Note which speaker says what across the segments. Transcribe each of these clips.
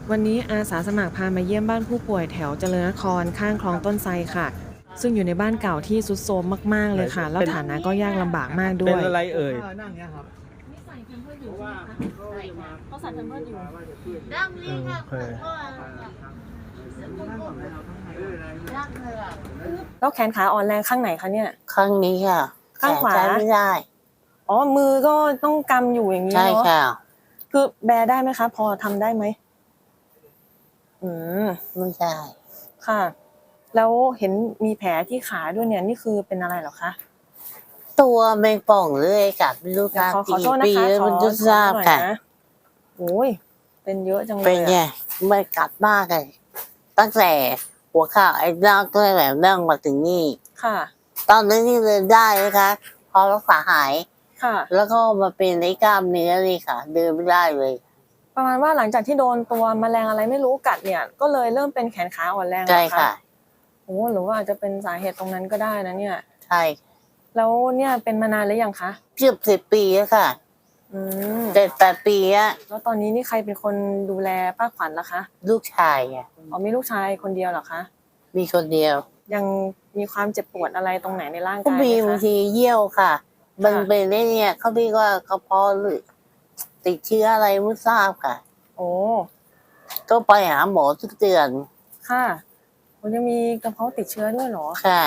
Speaker 1: วันนี้อาสาสมัครพามาเยี่ยมบ้านผู้ป่วยแถวเจริญนครข้างคลองต้นไทรค่ะซึ่งอยู่ในบ้านเก่าที่ทรุดโทรมมากๆเลยค่ะแล้วฐานะก็ยากลำบากมากด้
Speaker 2: เป็
Speaker 1: วนย
Speaker 2: อะไรเอ่ย
Speaker 3: นั่งเนี้ยครับ
Speaker 4: นี่ใส่แพมเพิร์สอยู่ใช่ไหมคะใช่ค่ะเขาใส่แพมเพิร์สอยู่
Speaker 2: โอเค
Speaker 1: แล้วแขนขาอ่อนแรงข้างไหนคะเนี่ย
Speaker 5: ข้างนี้ค่ะ
Speaker 1: ข้างขวา
Speaker 5: ใช้ไม่ได้
Speaker 1: อ๋อมือก็ต้องกำอยู่อย่างนี้
Speaker 5: ใช่
Speaker 1: เนาะ
Speaker 5: ค่ะ
Speaker 1: คือแบได้ไหมคะพอทำได้ไหมอืม
Speaker 5: ไม่ได้
Speaker 1: ค่ะแล้วเห็นมีแผลที่ขาด้วยเนี่ยนี่คือเป็นอะไรเหรอคะ
Speaker 5: ตัวแมงป่องเลยกัดไม่รู้ค่ะ
Speaker 1: ขอโทษนะคะขอ
Speaker 5: มันจะทราบค่ะ
Speaker 1: โอ้ยเป็นเยอะจังเลย
Speaker 5: เป็นไงไม่กัดมากเลยตั้งแต่หัวเข่าไอ้ร่างก็แบบนั่งมาถึงนี่
Speaker 1: ค่ะ
Speaker 5: ตอนนี้นี่เดินได้นะคะพอรักษาหาย
Speaker 1: ค่ะ
Speaker 5: แล้วก็มาเป็นไอ้กล้ามเนื้อนี่ค่ะเดินไม่ได้เลย
Speaker 1: ประมาณว่าหลังจากที่โดนตัวแมลงอะไรไม่รู้กัดเนี่ยก็เลยเริ่มเป็นแขนขาอ่อนแรง
Speaker 5: ใช่ค่ะ
Speaker 1: โอ้หรือว่าอาจจะเป็นสาเหตุตรงนั้นก็ได้นะเนี่ย
Speaker 5: ใช่
Speaker 1: แล้วเนี่ยเป็นมานานหรือยังคะ
Speaker 5: เกือบ10 ปีแล้วค่ะ7-8 ปีอะ
Speaker 1: แล้วตอนนี้นี่ใครเป็นคนดูแลป้าขวัญล่ะคะ
Speaker 5: ลูกชายอ่ะ
Speaker 1: อ๋อมีลูกชายคนเดียวเหรอคะ
Speaker 5: มีคนเดียว
Speaker 1: ยังมีความเจ็บปวดอะไรตรงไหนในร่าง
Speaker 5: ก็
Speaker 1: กายไหม
Speaker 5: มีบาง
Speaker 1: คะ
Speaker 5: ทีเยี่ยวค่ะมันเป็นได้เนี่ยเขาเรียกว่ากระเพาะหรือติดเชื้ออะไรไม่ทราบค่ะ
Speaker 1: โอ้
Speaker 5: ก็ไปหาหมอทุกเดือน
Speaker 1: ค่ะมันยังมีกระเพาะติดเชื้อด้วยเหรอ
Speaker 5: ค่ะ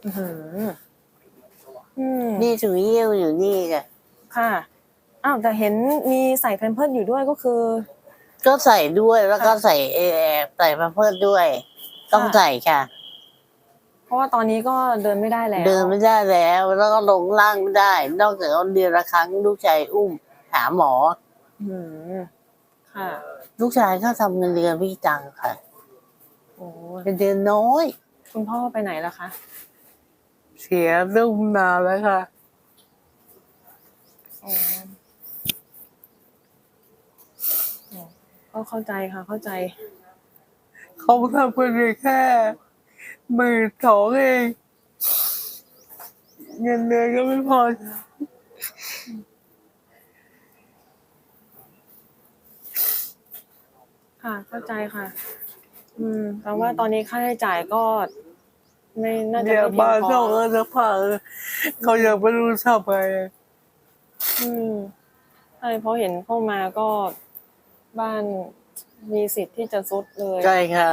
Speaker 5: นี่ถึงเยี่ยวอยู่นี่ค่ะ
Speaker 1: ค่ะอ้าวแต่เห็นมีใส่แพมเพิร์สอยู่ด้วยก็คือ
Speaker 5: ก็ใส่ด้วยแล้วก็ใส่ใส่แพมเพิร์สด้วยต้องใส่ค่ะ
Speaker 1: เพราะว่าตอนนี้ก็เดินไม่ได้แล้ว
Speaker 5: เดินไม่ได้แล้วก็ลงล่างไม่ได้นอกจากเดือนละครั้งลูกชายอุ้มหาหมอ
Speaker 1: ค่ะ
Speaker 5: ลูกชายเขาทำเงินเดือนพี่จังค่ะ
Speaker 1: โอ้
Speaker 5: เป็นเดือนน้อย
Speaker 1: คุณพ่อไปไหนล่ะคะ
Speaker 5: เสียลูกนานแล้วค่ะ
Speaker 1: ก็เข้าใจค่ะเข้าใจ
Speaker 5: เขาทำเพียงแค่12,000เองเงินเดือนก็ไม่พอ
Speaker 1: ค่ะเข้าใจค่ะแปลว่าตอนนี้ค่าใช้จ่ายก็ไม่น่าจะไม่เพียงพอ
Speaker 5: บ้านเขาจะผ่าเขายังไม่รู้ทำไง
Speaker 1: ใช่เพราะเห็นเข้ามาก็บ้านมีสิทธิ์ที่จะทรุดเลย
Speaker 5: ใช่ค่ะ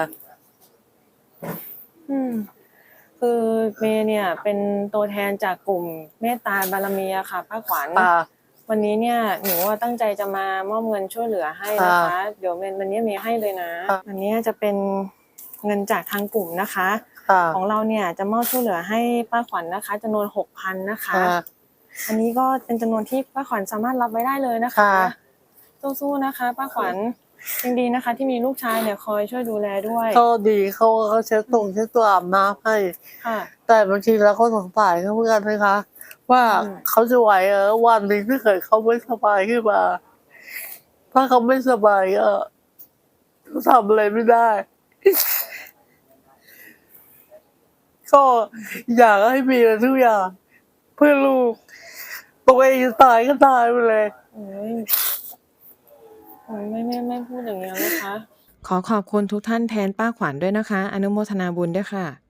Speaker 1: คือเมย์เนี่ยเป็นตัวแทนจากกลุ่มเมตตาบารมีค่ะป้าขวัญวันนี้เนี่ยหนูว่าตั้งใจจะมามอบเงินช่วยเหลือให้นะคะเดี๋ยววันนี้มีให้เลยนะอันนี้จะเป็นเงินจากทางกลุ่มนะคะของเราเนี่ยจะมอบช่วยเหลือให้ป้าขวัญนะคะจำนวน 6,000 นะคะอันนี้ก็เป็นจำนวนที่ป้าขวัญสามารถรับไว้ได้เลยนะคะสู้ๆนะคะป้าขวัญยังดีนะคะที่มีลูกชายเนี่ยคอยช่วยดูแลด้วย
Speaker 5: เขาดีเขาเช็ดตัวอาบน้ำให้แต่บางทีเราก็สงสารเขาเหมือนกันนะคะว่าเขาจะไหววันหนึ่งถ้าเกิดเขาไม่สบายขึ้นมาถ้าเขาไม่สบายก็ทำอะไรไม่ได้ก็อยากให้มีทุกอย่างเพื่อลูกตัวเองจะตายก็ตายไปเลย
Speaker 1: ไม่พูดอย่างนี้นะคะขอขอบคุณทุกท่านแทนป้าขวัญด้วยนะคะอนุโมทนาบุญด้วยค่ะ